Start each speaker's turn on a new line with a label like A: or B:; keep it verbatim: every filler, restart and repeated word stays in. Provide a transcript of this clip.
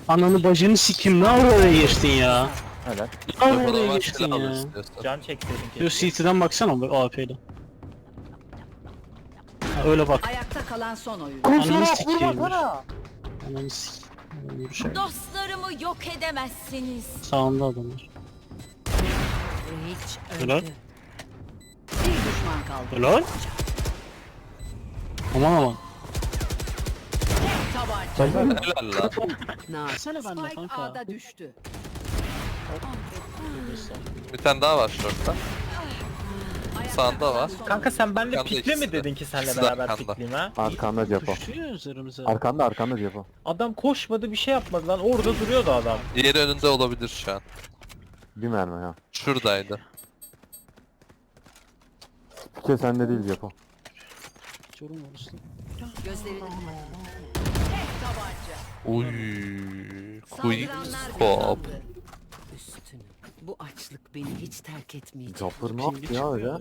A: Ananı bacını sikim, ne ara oraya geçtin ya?
B: Helal.
A: Ne ara
C: Bana
A: oraya
C: bak,
A: geçtin
C: silah alır
A: ya?
C: istiyorsan.
D: Can çekseydin
A: Yo
D: keşke.
A: C T'den baksana bu A P'yle. Ha, öyle bak.
E: Ayakta kalan son oyun.
A: Ananı sikeyim. Ananı sikeyim. Yürüyüşe.
F: Dostlarımı yok edemezsiniz.
A: Sağında adamlar.
E: Hiç
A: Helal.
E: öldü. Bir düşman kaldı.
A: Helal. Aman aman.
E: Tabanca.
C: Helal lan.
E: Nar.
A: Sene bende
E: Spike
A: kanka.
E: A'da düştü.
C: Bir tane daha var şortta. Sağında var.
D: Kanka sen benimle
C: Arkanda
D: pikle mi
C: ikisi de.
D: dedin ki senle
C: İkisi de
D: beraber
C: arkanda.
D: pikleyeyim ha?
B: Arkanda Cepo.
A: Düşüyor üzerimize.
B: Arkanda arkanda Cepo.
D: Adam koşmadı bir şey yapmadı lan orada duruyordu adam.
C: Diğeri önünde olabilir şu an.
B: Bir mermi ya.
C: Şuradaydı.
B: Pike sende değil Cepo.
A: Çorum var üstü.
E: Gözlerini
C: Uy. Quick
E: saldıranlar
C: scope.
E: kazandı. Üstünü. Bu açlık beni hiç terk etmeyecek.
B: Capır ne yaptı ya öyle?